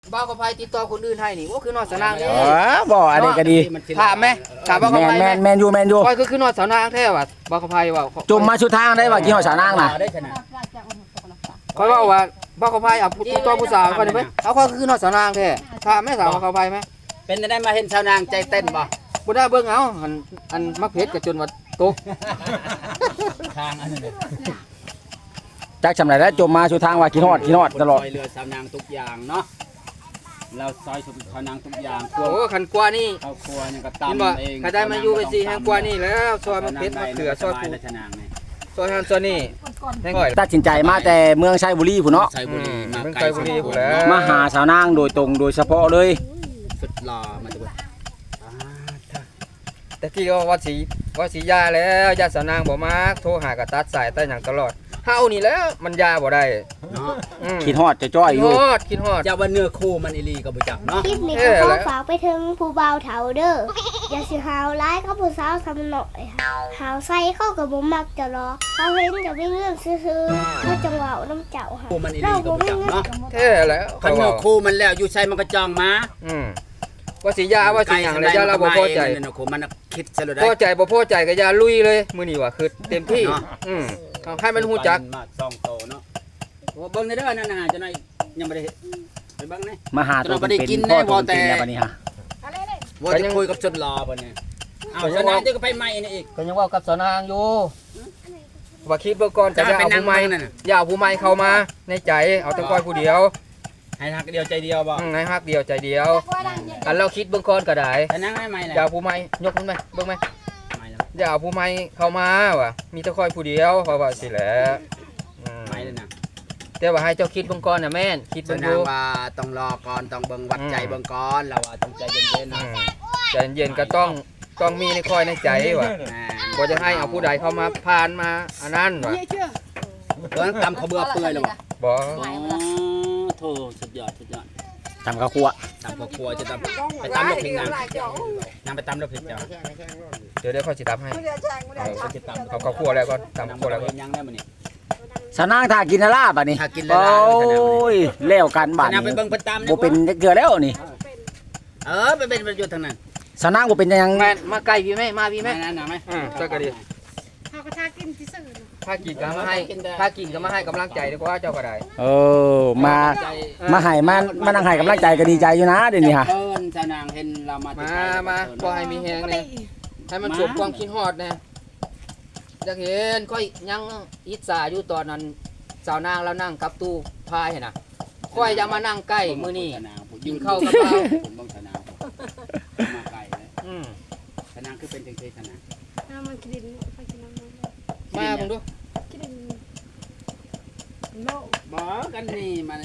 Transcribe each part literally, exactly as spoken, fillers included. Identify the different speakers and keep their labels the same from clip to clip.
Speaker 1: บ้าก็พายติดต่อคนอื่นให้นี่ว่าคือนอนสนางนี่
Speaker 2: อ๋อบ่อันนี้ก็ดี
Speaker 1: ถามไหมถามบ้าก็
Speaker 2: แม่
Speaker 1: พาน ย
Speaker 2: แม่นแม่นอยู่แม่นอยู่
Speaker 1: ก็คือคือนอนสนางแท้ว่ะบ้าก็พายว่า
Speaker 2: จุ่มมาชุดทางได้ว่ากี่หอสานางน่ะ
Speaker 3: ได้ชนะ
Speaker 1: คอยว่าว่าบ้าก็พายเอาติดต่อผู้สาวก่อนได้ไหมเอาก็คือนอนสนางแท้ถามแม่สาวบ้าก็พายไหม
Speaker 3: เป็นได้มาเห็นชาวนางใจเต้นบ่
Speaker 1: บ่ได้เบิ่งเอาอันอันมักเพชรกับจนว่าตก
Speaker 3: ทางอันนั้น
Speaker 2: จักจำได้แล้วจุ่มมาชุดทางว่ากี่หอดกี่หอดตลอด
Speaker 3: ซอยเรือชาวนางทุกอย่างเนาะเราซอยชาวนางทุกอย่างครัว
Speaker 1: โอ้ขันกว่านี่
Speaker 3: ครอบครัวยังก็
Speaker 1: เห็นบ่
Speaker 3: ตำเอง
Speaker 1: ใครได้มาอยู่ไปสิแห่งกว่านี่แล้วซอยมักเพชรมักเขือซอย
Speaker 3: ปู
Speaker 1: ปู
Speaker 3: ชาวนางนี่
Speaker 1: ซอยฮันซอยนี่แห่งก่อย
Speaker 2: ตัดสินใจมาแต่เมืองชัยบุรีพุ่นเนาะ
Speaker 3: ชัยบุรีมา
Speaker 1: เมือง
Speaker 3: ไกล
Speaker 1: ชัยบุรีพุ่นแล้ว
Speaker 2: มาหาสาวนางโดยตรงโดยเฉพาะเลย
Speaker 3: สุดหล่อมาจาก
Speaker 1: แต่กี้ก็ว่าสีว่าสียาแล้วยาสาวนางบ่มาโทรหากระตัดสายแต่หยังตลอดเฮานี่แล้วมันยาบ่ได้
Speaker 3: เนาะ
Speaker 1: อืม
Speaker 2: คิดฮอดจะจ้อย
Speaker 1: คิ
Speaker 2: อ
Speaker 1: ด
Speaker 2: ยู่
Speaker 1: ฮอดคิดฮอด
Speaker 3: เจ้าว่าเนื้อคู่มันอีลีก็บ่จักเนาะ
Speaker 4: คลิปนี้ก็ขอฝากไปถึงผู้บ่าวเฒ่าเด้ออย่าสิหาวร้ายก็ผู้สาวทำหน่อยหาวใส่เข้ากับบ่มักจะรอเขาเห็นจะไม่เงื่อนซื่อๆเขาจังหวะน้ำเจ้าค่ะ
Speaker 3: คู่มันอีลี
Speaker 4: เรา
Speaker 3: ก็
Speaker 4: บ่
Speaker 3: บ่
Speaker 4: มี
Speaker 3: จัก
Speaker 4: เงิน
Speaker 3: เนาะ
Speaker 1: แท้แล้ว
Speaker 3: คันเนื้อคู่มันแล้วอยู่ใช้มันก็จองมา
Speaker 1: อืมว่าสียาว่าสีหยังเลยยาเราบ่พอใจ
Speaker 3: เนื้อคู่มันคิดซะเลยได้
Speaker 1: พอใจบ่พอใจก็อย่าลุยเลยมื้อนี้ว่าคือเต็มที่
Speaker 3: เนาะ
Speaker 1: อืมเอาให้มันฮู้จัก
Speaker 3: มาซองโตเนาะเบิ่งในเด้อนั่นน่ะจะหน่อยยังบ่ได้ไปเบิ่งนี่
Speaker 2: มาหาตัว
Speaker 3: เราบ่ได้
Speaker 2: เป็น
Speaker 3: กิน
Speaker 2: ๆพ่อ
Speaker 3: แน่
Speaker 2: ตัว
Speaker 3: พอแต่
Speaker 2: เป็นๆแล้วบัดนี้ฮะ
Speaker 3: ว่าจะคุยกับชนรอเพิ่นนี่เอาชนะจะก็ไปใหม่นี่อีก
Speaker 1: ก็ยังเว่ากับสนางอยู่ว่าคิดเบิ่งก่อนจะเอาผู้ใหม่
Speaker 3: นั่นน่ะ
Speaker 1: อย่าเอาผู้ใหม่เข้ามาในใจเอาแต่ก้อยผู้เดียว
Speaker 3: ให้ทักเดียวใจเดียวบ่
Speaker 1: อืมให้ฮักเดียวใจเดียวอันเราคิดเบิ่งก่อนก็ได้
Speaker 3: ชนะให้ใหม่แหละ
Speaker 1: อย่าเอาผู้ใหม่ยกขึ้นไหมเบิ่งไหม
Speaker 3: ใหม่แล้ว
Speaker 1: อย่าเอาผู้ใหม่เข้ามาว่ะมีแต่ก้อยผู้เดียวเพราะว่าสิแหละอืม
Speaker 3: ใหม่เลยนะ
Speaker 1: แต่ว่าให้เจ้าคิดเบิ่งก่อนนะแม่นคิด
Speaker 3: ช
Speaker 1: เบิ่ง
Speaker 3: นะ
Speaker 1: ดู
Speaker 3: ว่าต้องรอก่อนต้องเบิ่งวัดใจเบิ่งก่อนเราว่าต้องใจเย็นๆ
Speaker 1: อื
Speaker 3: นะ
Speaker 1: มใจเย็นๆก็ต้องต้องมีในคอยในใจว่ะ
Speaker 3: แหม
Speaker 1: บ่จะให้เอาผู้ใดเข้ามาผ่านมาอันนั้นว่ะ
Speaker 3: เบิ่งตำเขาเบื่อเปื่อยแล้วบ่
Speaker 1: บ่
Speaker 3: อ๋อโธ่สุดยอดสุดยอด
Speaker 2: ตำข้าวคั่ว
Speaker 3: ตำครอบครัวจะตำไปตำลูกพริกนางนางไปตำลูกพริกจ้า
Speaker 1: เดี๋ยวเดี๋ยวเขาสิตำให้
Speaker 3: เอาเขาจะตำ
Speaker 1: เขาเขาคั่วแล้วก็ตำ
Speaker 3: ตำ
Speaker 1: คั่วแล้ว
Speaker 3: เร
Speaker 1: ก็
Speaker 3: ยังได้มื้อนี้
Speaker 2: สานางถ้ากินอะไรบัดนี้
Speaker 3: ถ้ากินแล้ว
Speaker 2: โอ้ยแล้วกันบัด
Speaker 3: นางไป
Speaker 2: นี้
Speaker 3: เบิ่งเพิ่นตำ
Speaker 2: บ่เป็นจักเทื่อแล้วนี่
Speaker 3: เออไปเป็นประโยชน์ทางนั้น
Speaker 2: สานางบ่เป็นจังหยัง
Speaker 1: แม่นมาใกล้พี่ไหมมาพี่ไหม
Speaker 3: แม่นั่นน่ะไหม
Speaker 1: อืมสักกะดี
Speaker 5: เขาก็ทากินที่สื่อ
Speaker 1: ถ้ากินก็มาให้ถ้ากินก็มาให้กำลังใจดีกว่าเจ้าก็ได้
Speaker 2: เออมา
Speaker 3: ใจ
Speaker 2: มาให้มามานั่งให้กำลังใจก็ดีใจอยู่นะเดี๋ยวนี้ฮะ
Speaker 3: เพิ่นชาวนางเห็นเรามา
Speaker 1: มามาพอให้มีแฮงเลยให้มันสมความคิดฮอดนะอยากเห็นค่อยยังอิจฉาอยู่ตอนนั้นสาวนางแล้วนั่งกับตู้พายน่ะค่อยจะมานั่งใกล้มื้อนี้ กินข้าวกับเรา
Speaker 3: ผมต้องชาวนางมาไกลเลย
Speaker 1: อืม
Speaker 3: ชาวนางคือเป็นจังซี่ชาวนาง
Speaker 5: น้ำมันกินไปกินน้ำมัน
Speaker 1: มาเบิ่งดู
Speaker 5: กินโล
Speaker 3: บ่กันนี่มัน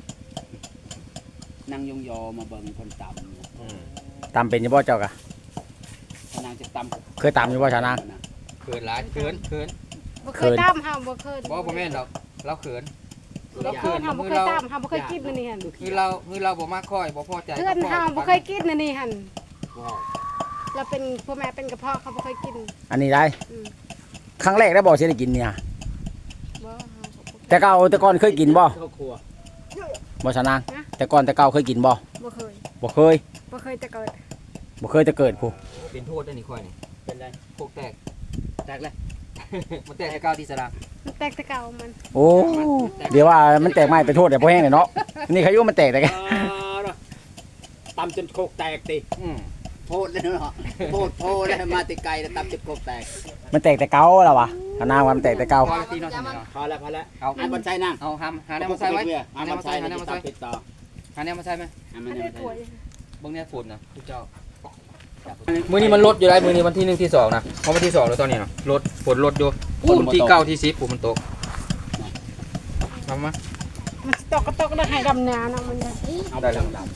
Speaker 3: นางยงยอมาเบิ่งคนตำ
Speaker 1: อืม
Speaker 2: ตำเป็นอยู่บ่เจ้ากะ
Speaker 3: ชาวนางจะตำ
Speaker 2: เคยตำอยู่บ่สานาง
Speaker 1: เขินหลายเขินเขิน
Speaker 5: บ่เคยตามเฮาบ่เคย
Speaker 1: บ่บ่แม่นดอกเราเขิน
Speaker 5: บ่เคยเฮาบ่เคยตามเฮาบ่เคยกินนั่นนี่หั่น
Speaker 1: คือเราคือเราบ่มาค่อยบ่พอใจ
Speaker 5: เพื่อนเฮาบ่เคยกินนั่นนี่หั่น
Speaker 3: ว้าว
Speaker 5: เราเป็นพ่อแม่เป็นกระเพาะเขาบ่เคยกิน
Speaker 2: อันนี้ได้
Speaker 5: อืม
Speaker 2: ครั้งแรกได้บ่สิได้กินเนี่ย
Speaker 5: บ่เฮาก็บ่เคย
Speaker 2: แต่เก่าแต่ก่อนเคยกินบ่
Speaker 3: ครอบครัว
Speaker 2: บ่สานางแต่ก่อนแต่เก่าเคยกินบ่
Speaker 5: บ่เคย
Speaker 2: บ่เคย
Speaker 5: บ่เคยแต่เกิด
Speaker 2: บ่เคยจะเกิดผู้
Speaker 1: เป็นโทษได้นี่ค่อยนี่
Speaker 3: เป็นไร
Speaker 1: พวกแตก
Speaker 3: แตกเลย
Speaker 1: มันแตกให้ก้าวที่สระ
Speaker 5: มันแตกแต่เก่ามัน
Speaker 2: โอ้เดี๋ยวว่ามันแตกไม้ไปโทษแต่บ่แห้งเลยเนาะนี่ใครอยู่มันแตกแต่แก
Speaker 3: ตำจนโคกแตกติ
Speaker 1: อืม
Speaker 3: โพดเลยเนาะโพดโพดเลยมาติไกลแล้วตำจนโคกแตก
Speaker 2: มันแตกแต่เก่าแล้ววะสานางว่ามันแตกแต่เก่า
Speaker 1: พอแล้วตีเนาะตีเนาะ
Speaker 3: พอแล้วพอแล้ว
Speaker 1: เอา
Speaker 3: อันบนใช้นั่ง
Speaker 1: เอาหามหาแนวมาใส่ไว้หา
Speaker 3: อัน
Speaker 1: แน
Speaker 3: บ
Speaker 1: วน มาใส่
Speaker 3: ใช้
Speaker 1: หา
Speaker 3: นั่
Speaker 1: แน
Speaker 3: ง
Speaker 1: วมาใส่
Speaker 3: ติดต่อ
Speaker 1: หาแนวมาใส่ไหม
Speaker 3: อันมั
Speaker 5: อั
Speaker 3: น
Speaker 5: น
Speaker 3: ยัง
Speaker 5: นี้
Speaker 3: ไม่
Speaker 5: ป่วย
Speaker 1: เบิ่งเนี่ยฝุ่นนะทุกเจ้ามื้อนี้มันลดอยู่ได้มื้อนี้วันที่หนึ่งที่สองนะเพราะวันที่สองแล้วตอนนี้เนาะลดฝนลดอยู่ฝนที่เก้าที่สิบฝนมันตกทำมา
Speaker 5: มันตกก็ตกได้ให้ดำนาเนาะมันเนี่ย
Speaker 3: เอาไปดำ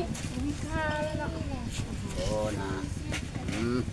Speaker 3: โอ้นะอืม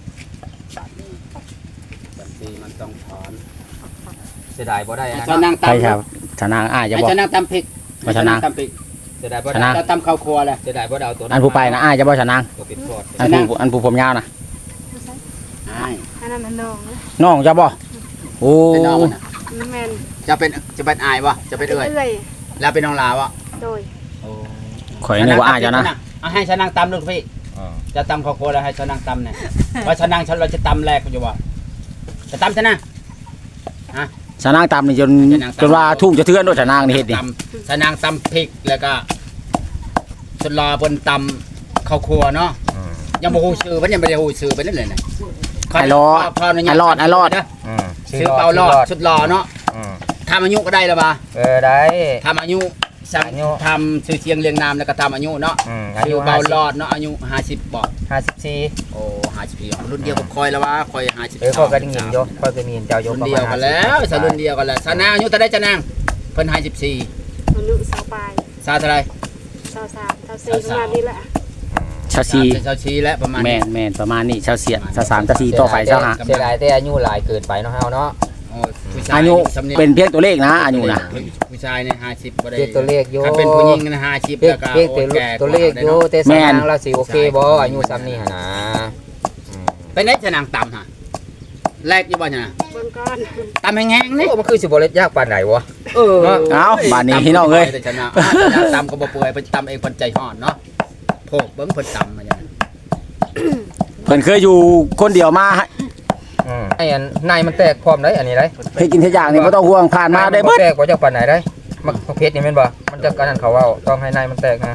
Speaker 3: บัญชีมันต้องถอน
Speaker 1: เสียดายบ่ได้นะ
Speaker 3: ชาวนาง
Speaker 2: ใช่
Speaker 3: ตำ
Speaker 2: ครับสานางอ่าจะ
Speaker 3: ให้
Speaker 2: บอก
Speaker 3: ชาวนางตำพริก
Speaker 2: ว่าชาวนาง
Speaker 3: ตำพริก
Speaker 1: เสียดายบ่
Speaker 2: ชนะ
Speaker 1: ได้
Speaker 3: จะตำข้าวครัวเลย
Speaker 1: เสียดายบ่ได้เอาตัว
Speaker 2: อันผู้ไปนะอ่าจะบอกสานาง
Speaker 1: ตัวปิดพอด
Speaker 2: อันผู้อันผู้ผมยาวนะ
Speaker 3: ใช่
Speaker 5: อันนั้นมันน้องนะ
Speaker 2: น้องจะบอกโอ้
Speaker 3: เป็นน้องมันน่ะ
Speaker 5: มันแม่น
Speaker 3: จะเป็นจะเป็นอายวะจะเป็นเอ่ย
Speaker 5: เอ้ย
Speaker 3: แล้วเป็นน้องลาวะ
Speaker 5: โดย
Speaker 3: โอ้
Speaker 2: ข่อยนึกว่าอ้ายเจ้านะ
Speaker 3: เอาให้ชานางตำลูกพี่จะตำข้าวโพดแล้วให้ชานางตำเนี่ยว่าชานางฉันเราจะตำแรกอยู่บ่จะตำชนะ
Speaker 2: ชานางตำนี่จนจนว่าทุ่งจะเทือนด้วยชานางนี่เฮ็ดนี่
Speaker 3: ตำชานางตำพริกแล้วก็ชนรอบนตำข้าวครัวเนาะยังบ่ฮู้ชื่อมันยังบ่ได้ฮู้ชื่อไปนั่นเลยนะ
Speaker 2: ไอ้รอดไอ้รอดไอ้รอด
Speaker 3: ชื่อเปารอดชุดรอเนาะทำอายุก็ได้แล้วบ่
Speaker 1: เออได้
Speaker 3: ทำอายุสั่ง
Speaker 1: อายุ
Speaker 3: ทำชื่อเสียงเรียงนามแล้วก็ทำอายุเนาะ
Speaker 1: อืมอา
Speaker 3: ชื่
Speaker 1: ยุ
Speaker 3: อเปารอดเนาะอายุห้าสิบบ่
Speaker 1: ห้าสิบสี่
Speaker 3: โอ้ห้าสิบปีรุ่นเดียวกับคอยแล้วว่าคอยห้าสิบ
Speaker 1: เออข้อยก็ได้ยินอยู่ข้อยก็มีเจ้าอยู่
Speaker 3: รุ่น
Speaker 1: ประ
Speaker 3: เดี
Speaker 1: มา
Speaker 3: ยว
Speaker 1: ณ
Speaker 3: กันแล้วสรุ่นเดียวกันแล้วสานางอายุเท่าไดจะนางเพิ่นห้าสิบสี่
Speaker 5: อายุสาวปลาย
Speaker 3: สาเท่าไร
Speaker 5: สาวสามสาวสี่ประมาณนี้แหละ
Speaker 2: ชาวซี
Speaker 3: ชาวชีแล้วประมาณ
Speaker 2: แม่
Speaker 3: นี้
Speaker 2: นแม่นประมาณนี้ชาวเสียดชาวสามชาวสี่ต่อไปชาวห้า
Speaker 1: เสียดายแต่อายุหลายเกินไปเนาะเฮาเนาะ
Speaker 3: โอ้ผู้ช
Speaker 2: อายุ
Speaker 3: สำเนียง
Speaker 2: เป็นเพียงตัวเลขนะอายุนะ
Speaker 3: ผู้ชายเนี่ยห้าสิบบ่ได้
Speaker 1: เพียงตัวเลขอยู่
Speaker 3: ถ้าเป็นผู้หญิงนะห้าสิบ
Speaker 1: เพีย
Speaker 3: แล้
Speaker 1: ง
Speaker 3: วก็
Speaker 1: เพียงตัว
Speaker 3: โอ้แก่
Speaker 1: ตัวเลขอยู่แต่สนางเราสิโอเคบ่อายุซ้ำนี่หั่นนะอืม
Speaker 3: เป็นไงจะนางต่ำฮะแรกอยู่บ่เนี่ย
Speaker 5: เบิ่งก่อน
Speaker 3: ต่ำแห้งๆนี่
Speaker 1: โอ้มันคือสิบ่เล็ดยากปานใดวะ
Speaker 3: เออ
Speaker 2: เอ้าบ้านนี้พี่น้องเอ้ย
Speaker 3: แต่ชนะอ่ะต่ำก็บ่เปื่อยเพิ่นต่ำเองเพิ่นใจฮ้อนเนาะโพกเบิ่งเพิ่นต่ำมาอย่างนั้น
Speaker 2: เพิ่นเคยอยู่คนเดียวมา
Speaker 1: อืมไอ้อันในมันแตกพร้อมได้อันนี้ได้
Speaker 2: เคยกินทุกอย่างนี่บ่ต้องห่วงผ่านมาได้เบิด
Speaker 1: แตกบ่จักปานใดได้มักเพชรนี่แม่นบ่มันจะกันนั่นเขาเว้าต้องให้ในมันแตกนะ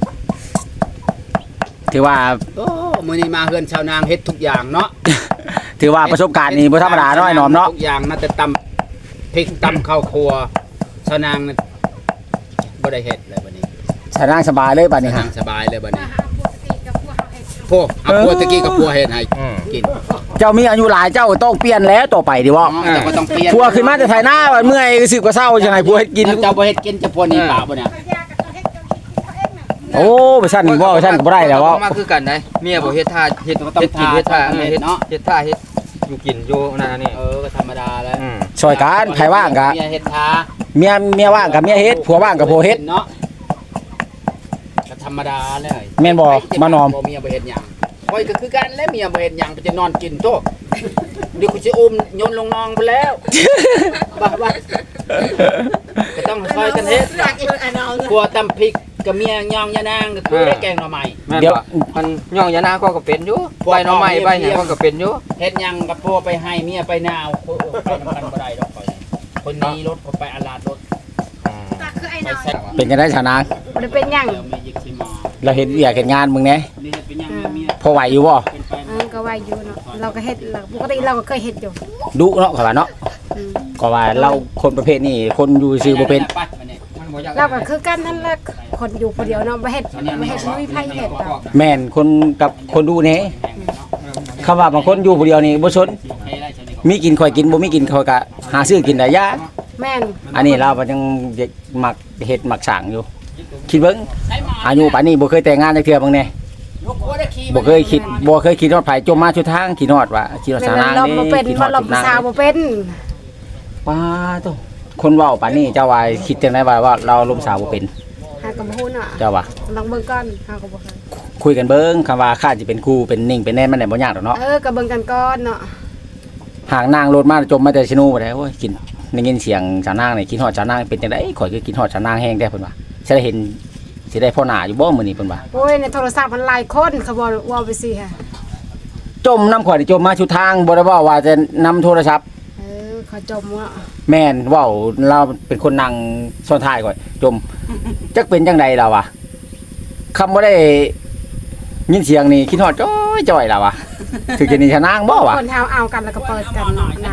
Speaker 2: ถือว่า
Speaker 3: โอ้มื้อนี้มาเฮือนชาวนางเฮ็ดทุกอย่างเนาะ
Speaker 2: ถือว่าประสบการณ์นี่บ่ธรรมดาเนาะไอ้หนอมเนาะ
Speaker 3: ทุกอย่างน่าจะตำพริกตำข้าวครัวชาวนางน่ะบ่ได้เฮ็ดเลยบัดนี้
Speaker 2: ชานางสบายเลยบัดนี้
Speaker 3: ชาว
Speaker 2: ฮะ
Speaker 3: นางสบายเลยบัดนี้
Speaker 5: หาพวกตีกับพวกเขาเห็ด
Speaker 3: พวกเอาพัวตะกี้กับพัวเฮ็ดให้
Speaker 1: อืม
Speaker 3: กิน
Speaker 2: เจ้ามีอายุหลายเจ้าต้องเปลี่ยนแล้วต่อไปดิบ่
Speaker 3: อ๋อแต่ก็ต้องเปลี่ยน
Speaker 2: พัวขึ้นมาแต่ไทยหน้าว่าเมื่อยสึกว่าเศร้าจังไดพัวเฮ็ดกิน
Speaker 3: เจ้าบ่เฮ็ดกินจะพัวหนี่ป่าบ่เนี่ย
Speaker 5: เขายากับเขาเห็ดเขาคิดเขาเองน่ะ
Speaker 2: โอ้ไปสั่นบ่ไปสั่นก็บ่ได้แล้วบ่
Speaker 1: มาคือกันได้เมียบ่เฮ็ดท่าเฮ็ด
Speaker 3: ก็ต้อง
Speaker 1: เฮ็ดกินเฮ็ดท่า
Speaker 3: เฮ็
Speaker 1: เฮ็
Speaker 3: ด
Speaker 1: ด
Speaker 3: เนาะ
Speaker 1: เฮ็ดท่าเฮ็ดอยู่กินอยู่นั่นอันนี่
Speaker 3: เออก็ธรรมดาแล้ว
Speaker 1: อืม
Speaker 2: ช่วยกันใครว่างก็
Speaker 3: เมียเฮ็ดทา
Speaker 2: เมียเมียว่างกับเมียเฮ็ดผัวว่างกับผัวเฮ็ด
Speaker 3: เนาะก็ธรรมดาเลย
Speaker 2: แม่นบ่มานอม
Speaker 3: บ่เมียบ่เฮ็ดหยังคอยก็คือกันแล้วเมียบ่เฮ็ดหยังไปจะนอนกินโตะเดี๋ยวกูสิอุ้มโยนลงนองไปแล้วบ้าบ้าก็ต้องคอยกันเฮ็ดกลัวตำพริกกับเมียย่องยานางก็คือได้แกงหน่อไม้
Speaker 1: แม่น
Speaker 2: เดี๋ยว
Speaker 1: บ่มันย่องยานาก็ก็เป็นอยู่ใบหน่อไม้ใบหยังก็ก็เป็นอยู่
Speaker 3: เฮ็ดหยังกับพ่อไปให้เมียไปนาวโอ้โหไปนำกันบ่ได้ดอกข้อยคนนี้รถคนไปอาลาดรถ
Speaker 1: อืม
Speaker 5: ตักคือไอ้
Speaker 3: ไป
Speaker 5: น้อย
Speaker 3: แซ่บ
Speaker 2: เป็นกันได้ชาวนาง
Speaker 5: บ่ได้เป็นหยัง
Speaker 3: เดี๋ยวมียิกสิมา
Speaker 2: เราเฮ็ดอยากเฮ็ดงานมึงแหน่
Speaker 3: นี่เฮ็ดเป็นหยังเมีย
Speaker 2: พอไหวอยู่บ่
Speaker 3: เป็นไป
Speaker 5: เออก็ว่าอยู่เนาะเราก็เฮ็ดเราปกติเราก็เคยเฮ็ดอยู่
Speaker 2: ดุเนาะเขาว่าเนาะ
Speaker 5: อืม
Speaker 2: ก็ว่าเราคนประเภทนี้คนอยู่ซื่อบ่เป็น
Speaker 3: ไปมาเนี่ย
Speaker 1: มันบ่อยาก
Speaker 5: เราก็คือกันนั่นแหละคนอยู่คนเดียวเนาะบ่เฮ็ดบ่เฮ็ดบ่มีไผเฮ็ดดอก
Speaker 2: แม่นคนกับคนดูแหน่คำว่าบางคนอยู่ผู้เดียวนี่บ่สนมีกินค่อยกินบ่มีกินค่อยก็หาซื้อกินได้ยา
Speaker 5: แม่น
Speaker 2: อันนี้เราก็ยังเด็กมักเฮ็ดมักสร้างอยู่ คิดเบิ่งอายุป่านนี้บ่เคยแต่งงานจักเทื่อเบิ่งแหน่บ่เคยคิดบ่เคยคิดฮอดไผจมมาชุดทางคิดฮอดว่าคิดฮอด
Speaker 5: แม่
Speaker 2: สาน นาง
Speaker 5: เรา
Speaker 2: นี่
Speaker 5: บ่เป็น
Speaker 2: คิดฮอ
Speaker 5: ว่า
Speaker 2: ด
Speaker 5: เรา
Speaker 2: จุดนาง
Speaker 5: สาวบ่เป็น
Speaker 2: ป้าโตคนเว้าป่านนี้เจ้าว่าคิดจังไดว่าว่าเราลมสาวบ่เป็น
Speaker 5: หาก็บ่ฮู้เนาะ
Speaker 2: เจ้าว่า
Speaker 5: ลองเบิ่งก่อนหาก็บ่เคย
Speaker 2: คุยกันเบิ่งคำว่าข้าสิเป็นครูเป็นนิ่งเป็นแน่มันได้บ่ยากดอกเนาะ
Speaker 5: เออก็เบิ่งกันก่อนเนาะ
Speaker 2: หากนางรถมาจมมาแต่ชิโนูบ่ได้โอ้ยกินได้ยินเสียงสาวนางนี่คิดฮอดสาวนางเป็นจังได๋ข่อยคือคิดฮอดสาวนางแฮงแท้เพิ่นว่าสิได้เห็นสิได้พ่อหน้าอยู่บ่มื้อนี้เพิ่นว่า
Speaker 5: โอ้ยในโทรศัพท์มันหลายคนเขาบอกว่าไปสิค่ะ
Speaker 2: จมน้ำข่อยนี่จมมาชุดทางบ่ได้เว้าว่าจะนำโทรศัพท์
Speaker 5: เออเขาจมว่า
Speaker 2: แม่นเว้าเราเป็นคนนั่งซ้อนท้ายข่อยจมจักเป็นจังได๋ล่ะวะคำบ่ได้ยินเสียงนี่คิดฮอดจ้อยจ้อยล่ะวะถึงจะนี่ชะนางบ่วะ
Speaker 5: คนเฮาเอากันแล้วก็เปิดกันเนาะนาย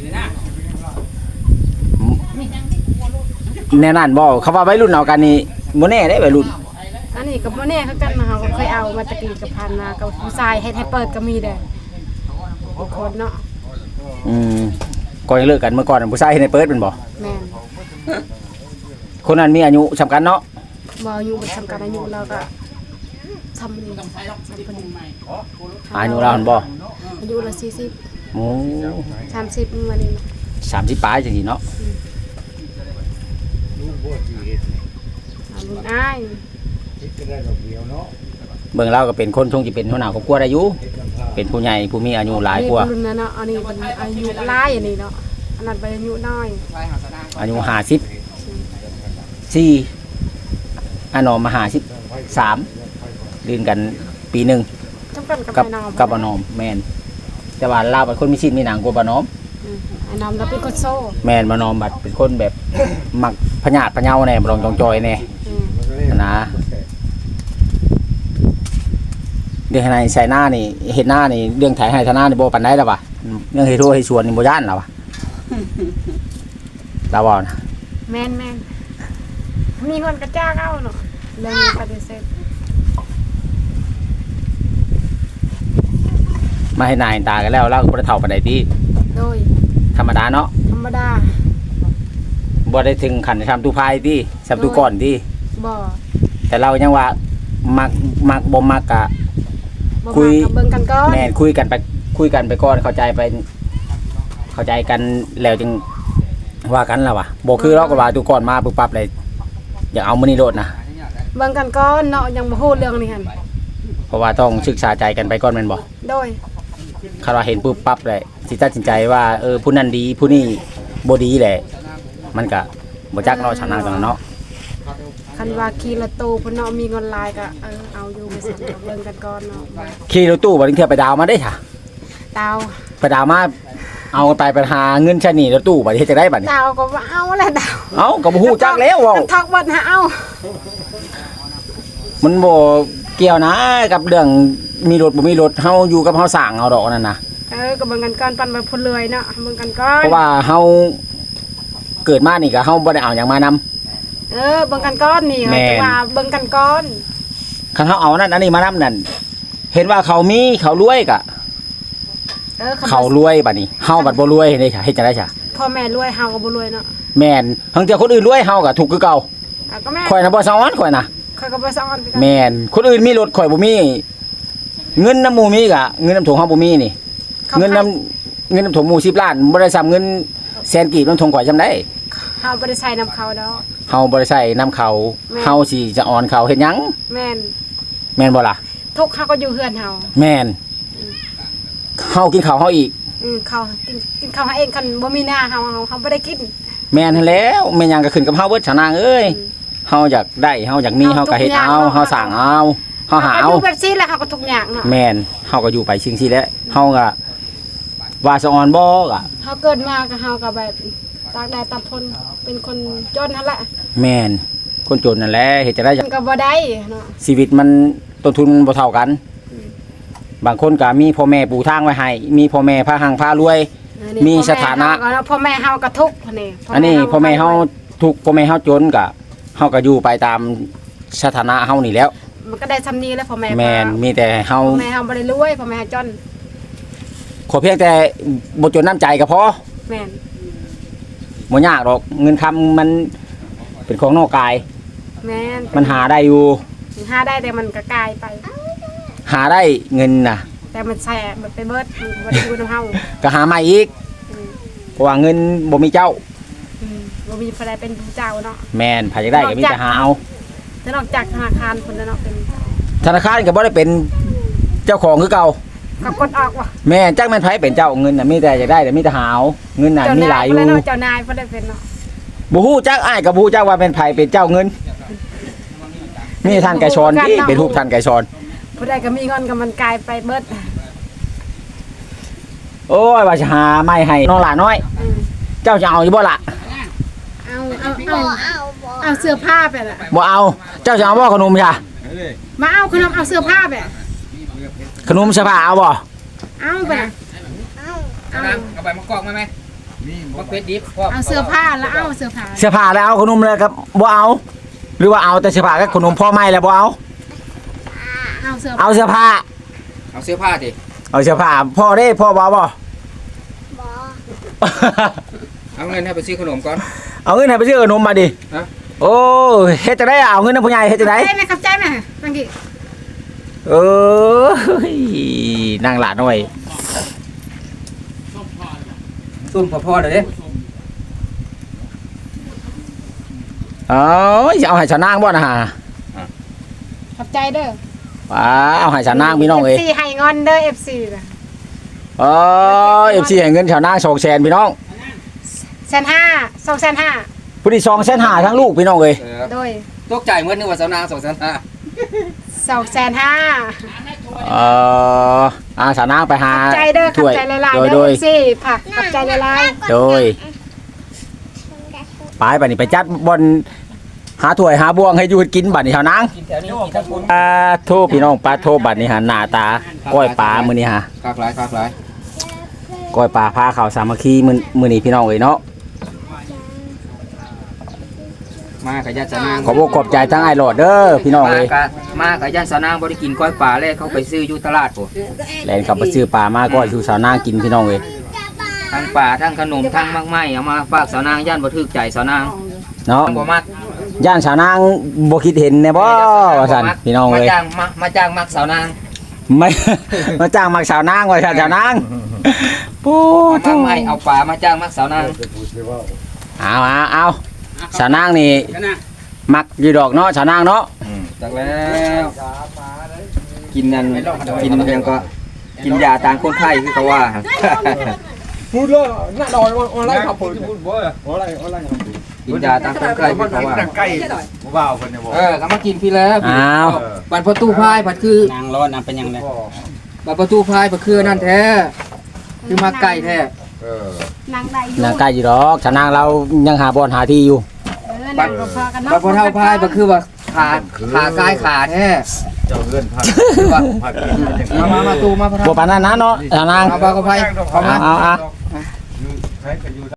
Speaker 2: แน่นั่นบ่คำว่าวัยรุ่นเอากันนี่บ่แน่เด้วัยรุ่น
Speaker 5: อันนี้ก็บ่แน่คือกันนะเฮาก็เคยเอามาตะกี้กับพันมากับผู้ชายเฮ็ดให้เปิดก็มีได้บางคนเนาะ
Speaker 2: อืมก่อนจะเลิกกันเมื่อก่อนผู้ชายเฮ็ดให้เปิดเป็นบ่
Speaker 5: แม่น
Speaker 2: คนนั้นมีอายุสำคัญเนาะ
Speaker 5: บ่อายุบ่สำคัญอายุเราก็ทำนี่ทำพอดี
Speaker 2: อายุเราหั่นบ่
Speaker 5: อายุละสี่สิบ
Speaker 2: โอ้
Speaker 5: สามสิบมื้อนี้นะ
Speaker 2: สามสิบปลายจังซี่เนาะ
Speaker 5: อายุอ้าย
Speaker 2: เบิ่งเราก็เป็นคนทรงสิเป็นหัวหน้าครอบครัวได้อยู่เป็นผู้ใหญ่ผู้มีอายุหลายกว่า
Speaker 5: รุ่นนั้นเนาะอันนี้เป็นอายุหลายอันนี้เนาะอันนั้นเป็นอายุน้อย
Speaker 2: อายุห้าสิบสี่อันนอมมาห้าสิบสามลื่นกันปีหนึง
Speaker 5: จำกันกับ
Speaker 2: กับ
Speaker 5: ไอ้น้อง
Speaker 2: กับบ่นอมแม่นแต่ว่าลาวเป็นคนมีชิ้นมีหนังกว่าบ่นอม
Speaker 5: อืมไอ้น้องเราเป็นคนโซ่
Speaker 2: แม่นบ่นอมบัดเป็นคนแบบ มักพญาติพะเยาแน่บ่ลองจองจอยแน่
Speaker 5: อืม
Speaker 2: นะเรื่องให้ใส่หน้านี่เห็นหน้านี่เรื่องถ่ายให้ทนานี่บ่ปานใดแล้วว่ะเรื่องเฮ็ดทั่วให้ชวนนี่บ่ย่านแล้วว่ะลาวว่านะ
Speaker 5: แม่นแม่นมีคนกระจ้าเข้าเนาะเรื่องนี้ปฏิเสธ
Speaker 2: มาให้นายตากันแล้วเราก็บ่ได้เฒ่าปานใดติ
Speaker 5: โดย
Speaker 2: ธรรมดาเนาะ
Speaker 5: ธรรมดา
Speaker 2: บ่ได้ถึงขั้นทำตู้พายติทำตู้ก่อนติ
Speaker 5: บ่
Speaker 2: แต่เรายังว่ามักมักบ่มักกะ
Speaker 5: บ่
Speaker 2: คุย
Speaker 5: มากับเบิ่งกันก่อน
Speaker 2: แม่นคุยกันไปคุยกันไปก่อนเข้าใจไป เข้าใจกันแล้วจึงว่ากันแล้วว่ะบ่คือเราก็ว่าตู้ก่อนมาปุ๊บปั๊บเลยอยากเอามื้อนี้โลดนะ
Speaker 5: เบิ่งกันก่อนเนาะยังบ่ฮู้เรื่องนี้หั่น
Speaker 2: เพราะว่าต้องศึกษาใจกันไปก่อนแม่นบ่
Speaker 5: โดย
Speaker 2: คาราเห็นปุ๊บปั๊บเลยสิตัดสินใจว่าเออผู้นั้นดีผู้นี้บ่ดีแหละมันก็บ่จักเราชนะกันเนาะ
Speaker 5: คันว่าขี่รถตู้เพิ่นเนาะมีเงินหลายก็เออเอาอยู่ไปสั่นเบิ่งกันก่อนเนาะ
Speaker 2: ขี่รถตู้บ่ได้เที่ยวไปดาวมาได้ค่ะ
Speaker 5: ดาว
Speaker 2: ไปดาวมาเอาไปไปหาเงินใช้หนี้รถตู้บัดนี้เฮ็ดจังได๋บัดนี้
Speaker 5: ดาวก็ว่าเอาแหละดาว
Speaker 2: เอ้าก็บ่ฮู้จักแล้วเว้า
Speaker 5: กันทอกเบิดหาเอา
Speaker 2: มันบ่เกี่ยวนะกับเรื่องมีรถบ่มีรถเฮาอยู่กับเฮาสร้างเอาดอกนั่นน่ะ
Speaker 5: เออก็เบิ่งกันก่อนปั่นไปพุ่นเลยเนาะเบิ่งกันก่อน
Speaker 2: เพราะว่าเฮาเกิดมานี่ก็เฮาบ่ได้เอาหยังมานำ
Speaker 5: เออเบิ่งกันก่อนนี่
Speaker 2: แม่น
Speaker 5: แต่ว่าเบิ่งกันก่อน
Speaker 2: คันเฮาเอานั่นอันนี้มานำนั่นเห็นว่าเขามีเขารวยก็
Speaker 5: เออ
Speaker 2: เขารวยบัดนี้เฮาบัดบ่รวยเด้ค่ะเฮ็ดจังได๋จ้ะ
Speaker 5: พ่อแม่รวยเฮาก็บ่รวยเนาะ
Speaker 2: แม่นทั้งเที่ยคนอื่นรวยเฮาก็ถูกคือเก่า
Speaker 5: อ่ะก็แม่
Speaker 2: ข่อยน่ะบ่ซ้อนข่อยน่ะ
Speaker 5: ข่อยก็บ่ซ้อนคือกัน
Speaker 2: แม่นคนอื่นมีรถข่อยบ่มีเงินน้ำหมู่มีก็เงินน้ำถุงเฮาบ่มีนี่
Speaker 5: ขา
Speaker 2: เงินน้ำเงินน้ำถุงหมู่สิบล้านบ่ได้ซ้ำเงินแสนกีบน้ำถุงข่อยจำได้
Speaker 5: เฮาบ่ได้ใช้นํเขาดอก
Speaker 2: เฮาบ่ได้ใช้น้ำเขา
Speaker 5: แม่น
Speaker 2: เฮาสิจะอ่อนเขาเฮ็ดหยัง
Speaker 5: แม่น
Speaker 2: แม่นบ่ล่ะ
Speaker 5: ทุกข์เฮาก็อยู่เฮือนเฮา
Speaker 2: แม่นเฮากินข้าวเฮาอีก
Speaker 5: อืมเขากินกินข้าวเฮาเองคันบ่มีหน้าเฮาเฮาเฮาบ่ได้กิน
Speaker 2: แม่นหั่นแล้วแม่นหยังก็ขึ้นกับเฮาเบิดชะนางเอ้ย
Speaker 5: อืม
Speaker 2: เฮาอยากได้เฮาอยากมีเฮาก็เฮ็ดเอาเฮาสร้างเอาเฮาหา
Speaker 5: ก็
Speaker 2: เอา
Speaker 5: อยู่แบบซี่แหละเฮาก็ทุกอย่างเนาะ
Speaker 2: แม่นเฮาก็อยู่ไปชิงซี่แหละเฮาก็ว่าสะออนบ่ก็
Speaker 5: เฮาเกิดมาก็เฮาก็แบบตากแดดตากฝนเป็นคนจนนั่นแหละ
Speaker 2: แม่นคนจนนั่นแหละเฮ็ดจะได้
Speaker 5: มันก็บ่ได้เนาะ
Speaker 2: ชีวิตมันต้นทุนมันบ่เท่ากัน บางคนก็มีพ่อแม่ปูทางไว้ให้ มีพ่อแม่พาหังพารวย
Speaker 5: เออนี่
Speaker 2: มีสถานะ
Speaker 5: พ่อแม่เฮาก็ทุกข์นี่
Speaker 2: อันนี้พ่อแม่เฮาทุกข์พ่อแม่เฮาจนก็เฮาก็อยู่ไปตามสถานะเฮานี่แหล้ว
Speaker 5: มันก็ได้ซำนี้แล้วพ่อแม่
Speaker 2: แม่นมีแต่เฮา
Speaker 5: พ่อแม่เฮาบ่ได้รวยพ่อแม่เฮาจน
Speaker 2: ขอเพียงแต่บ่จนน้ำใจก็พอ
Speaker 5: แม่น
Speaker 2: บ่ยากหรอกเงินคำมันเป็นของนอกกาย
Speaker 5: แม่น
Speaker 2: มันหาได้อยู่
Speaker 5: หาได้แต่มันก็กลายไป
Speaker 2: หาได้เงินน่ะ
Speaker 5: แต่มันแสบมันไปเบิดมันบ่ได้อยู่นำเฮา
Speaker 2: ก็หาใหม่อีก
Speaker 5: อืม
Speaker 2: เพราะว่าเงินบ่มีเจ้า
Speaker 5: อืมบ่มีผู้ใดเป็นผู้เจ้าเนาะ
Speaker 2: แม่นไผจะได้ก็มีแต่หาเอา
Speaker 5: แต่นอกจากธนาคารพุ่นแล้วเนาะเป็น
Speaker 2: ธนาคารก็บ่ได้เป็นเจ้าของคือเก่า
Speaker 5: ก็กดออกว่ะ
Speaker 2: แม่จักแม่นไผเป็นเจ้าเงินน่ะมีแต่อยากได้แต่มีแต่หาเอาเงินน่ะ
Speaker 5: เจ้า
Speaker 2: มีห
Speaker 5: นา
Speaker 2: ลาย
Speaker 5: ย
Speaker 2: อยู่
Speaker 5: พุ่นแล้วเนาะเจ้านายพุ่นได้เป็นเนาะ
Speaker 2: บ่ฮู้จักอ้ายก็บ่ฮู้จักว่าเป็นไผเป็นเจ้าเงิน มีท่านไก่ชอนที่เป็นรูปท่านไก่ชอน
Speaker 5: ผู้ใดก็มีเงินก็มันกลายไปเบิด
Speaker 2: โอ้ยว่าจะหาไม้ให้น้องหลาน้อย
Speaker 5: อืม
Speaker 2: เจ้าจะเอาอยู่บ่ล่ะ
Speaker 5: เอาเอาเอา
Speaker 4: บ่เอาบ่
Speaker 5: เอาเสื้อผ้าไปล่ะ
Speaker 2: บ่เอาเจ้าจะเอาบ่ขนมจ้ะ
Speaker 5: มาเอาขนมเอาเสื้อผ้าไป
Speaker 2: ขนมเสื้อผ้าเอาบ่
Speaker 5: เอาไปล่ะ
Speaker 4: เอา
Speaker 5: เอา
Speaker 1: เอาไปมากอกมาไหมมาเป็ดดิบพ่อ
Speaker 5: เอาเสื้อผ้าแล้วเอาเสื้อผ้า
Speaker 2: เสื้อผ้าแล้วเอาขนมเลยครับบ่เอา หรือว่าเอาแต่เสื้อผ้ากับขนมพ่อไม่แล้วบ่เอา
Speaker 5: เอาเสื้อ
Speaker 2: เอาเสื้อผ้า
Speaker 1: เอาเสื้อผ้าดิ
Speaker 2: เอาเสื้อผ้าพ่อเด้พ่อบ่เอาบ่
Speaker 4: บ่
Speaker 1: เอาเงินให้ไปซื้อขนมก่อน
Speaker 2: เอาเงินให้ไปซื้อขนมมาดิ
Speaker 1: ฮะ
Speaker 2: โอ้ยเฮ็ดจังได๋เอาเงินนำผู้ใหญ่เฮ็ดจังได๋
Speaker 5: ใจไหมครับใจไหมบางที
Speaker 2: เออนั่งหลานหน่อย
Speaker 1: ซุ่มพอพ่อเลยเด้
Speaker 2: เอาจะเอาให้ชาวนางบ่นะฮะ
Speaker 5: ขอบใจเด้อ
Speaker 2: ว้าเอาให้ชาวนางพี่น้องเอ้ย
Speaker 5: เอฟซีให้เงินเด้อ เอฟ ซี น่ะ
Speaker 2: อ๋อ เอฟ ซี ให้เงินชาวนางสองแสนพี่น้อง
Speaker 5: แสนห้าสองแสนห้า
Speaker 2: ผู้ที่สองแสนห้าทั้งลูกพี่น้องเอ้ย
Speaker 1: เออ
Speaker 5: โดย
Speaker 1: ตกใจเหมือนนึกว่าสาวนางสองสามห้า
Speaker 5: สองแสนห้า
Speaker 2: เอ่ออาสาวนางไปหา
Speaker 5: ใจเด้อขั
Speaker 2: ถ้
Speaker 5: บ
Speaker 2: วย
Speaker 5: ใจละลาย
Speaker 2: โดย
Speaker 5: เด้
Speaker 2: โด
Speaker 5: อย สิผักขับใจละลาย
Speaker 2: โดยไปบัดนี้ไปจัดบอนหาถ้วยหาบ่วงให้อยู่กินบัดนี้เท่านาง
Speaker 1: กินแถวนี้กินทั้งคุณ
Speaker 2: ปลาโทพี่น้องปลาโทบัดนี้หาหน้าตาก้อยปลามื้อนี้ฮะ
Speaker 1: คากหลายคากหลาย
Speaker 2: ก้อยปลาพาข้าวสามัคคีมื้อมื้อนี้พี่น้องเอ้ยเนาะ
Speaker 1: มากับญาติสาวนาง
Speaker 2: ขอบอกขอบใจทั้งไอ้หลอดเด้อพี่น้อง
Speaker 1: มา
Speaker 2: เอ้ย
Speaker 1: กับมากับญาติสาวนางบ่ได้กินก้อยป่าเลยเขาไปซื้ออยู่ตลาดพุ่น
Speaker 2: แล่นกลับไปซื้อปลามาก้อยสู่สาวนางกินพี่น้องเอ้ย
Speaker 1: ทั้งป่าทั้งขนมทั้งมากไม้เอามาฝากสาวนางย่านบ่ถูกใจสาวนาง
Speaker 2: เนาะ
Speaker 1: บ่มัก
Speaker 2: ย่านสาวนางบ่คิดเห็นแน่บ่ว่าซั่นพี่น้อง
Speaker 1: มา
Speaker 2: เอ้ย
Speaker 1: จ้างมามาจ้างมักสาวนาง
Speaker 2: ไม่ มาจ้างมักสาวนางว่าซั่นสาวนางโอ้
Speaker 1: เอามากไม้เอาป่ามาจ้างมักสาวนาง
Speaker 2: เอาเอาเอาสาวนางนี่
Speaker 3: กันนะ
Speaker 2: มักอยู่ดอกเนาะสาวนางเนาะ
Speaker 1: จักแล้วกินนั่นกินยังก็กินยาต่างคนไข้คือเขาว่า
Speaker 6: พูดเลยหน้าดอยออนไลน์ครับผมพูดบ่อยออนไลน์ออนไลน์ครับ
Speaker 1: กินยาต่างคนไข้คือเขาว่า
Speaker 6: ใกล้บ่าวคนเนี่ยบอก
Speaker 1: เออก็มากินพี่แล้ว
Speaker 2: อ้าว
Speaker 1: บัดประตูพายบัดคือน
Speaker 3: างร้อนนางเป็นยังไง
Speaker 1: บัดประตูพายบัดคือนั่นแท้คือมาไก่แท้
Speaker 6: เออน
Speaker 5: างได้อยู่
Speaker 2: นางใกล้อยู่ดอกสาวนางเรายังหาบ่อนหาที่อยู่
Speaker 5: เออนางก็พอกันเนาะ
Speaker 1: บัดพอเท่าพายบัดคือว่าขาขากายขาแท้
Speaker 6: เจ้าเลื่อนพัก
Speaker 1: คือว่า
Speaker 6: พักกินเป็นยังไง
Speaker 1: มามามาตูมาพอ
Speaker 2: บ่
Speaker 1: เท่า
Speaker 2: ปานนั้นนะเนาะสาวนาง
Speaker 1: เอาบากระไพเอามา
Speaker 2: เอาเอา
Speaker 6: ใช้กันอยู่